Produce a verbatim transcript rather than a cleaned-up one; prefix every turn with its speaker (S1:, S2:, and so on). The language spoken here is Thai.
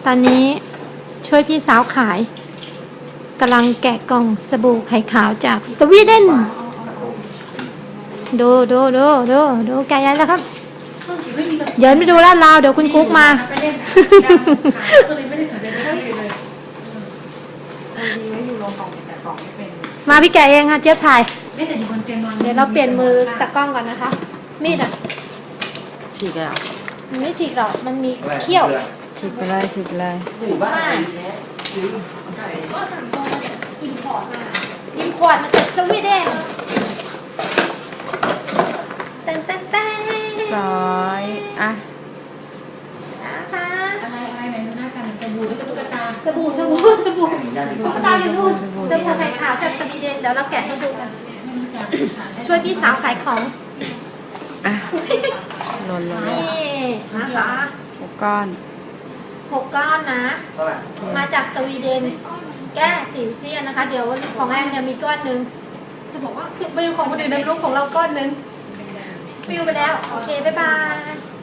S1: ตอนนี้ช่วยพี่สาวขายกำลังแกะกล่องสบู่ไข่ขาวจากสวีเดนดูดูดูดูดูแกะยันแล้วครับเดี๋ยวไม่ดูลาดราวเดี๋ยวคุณกุ๊กมามาพี่แกะเองค่ะเจี๊ยบถ่ายเดี๋ยวเราเปลี่ยนมือตะกล้องก่อนนะคะมีดอ่ะ
S2: ฉีกแล้ว
S1: มันไม่ฉีกหรอกมันมีเขี้ยว
S2: ฉีกไปเลยฉีกไปเลย
S1: หมู่บ้านก็สั่งตรงมาจากอินพอร์ตมาอินพอร์ตมาจากสวีเดนเต้นเต้นเต้น
S2: ร้อยอ่ะ
S1: นะคะ
S3: อะไรอะไรไหนดูหน้ากันสบู่หรือตุ๊กตา
S1: สบู่สบู่สบู่ตุ๊กตาอยู่นู่นสบู่ไข่ขาวจากสวีเดนเดี๋ยวเราแกะให้ดูกันช่วยพี่สาวขายของ
S2: อ่ะหล่นลง
S1: นี่นะคะ
S2: หกก้อน
S1: หกก้อนนะมาจากสวีเดนแก้สิวเซียนนะคะเดี๋ยวของแอนเนี่ยมีก้อนหนึ่งจะบอกว่าไม่ของคนอื่นนะลูกของเราก้อนหนึ่งฟิวไปแล้วโอเคบ๊ายบาย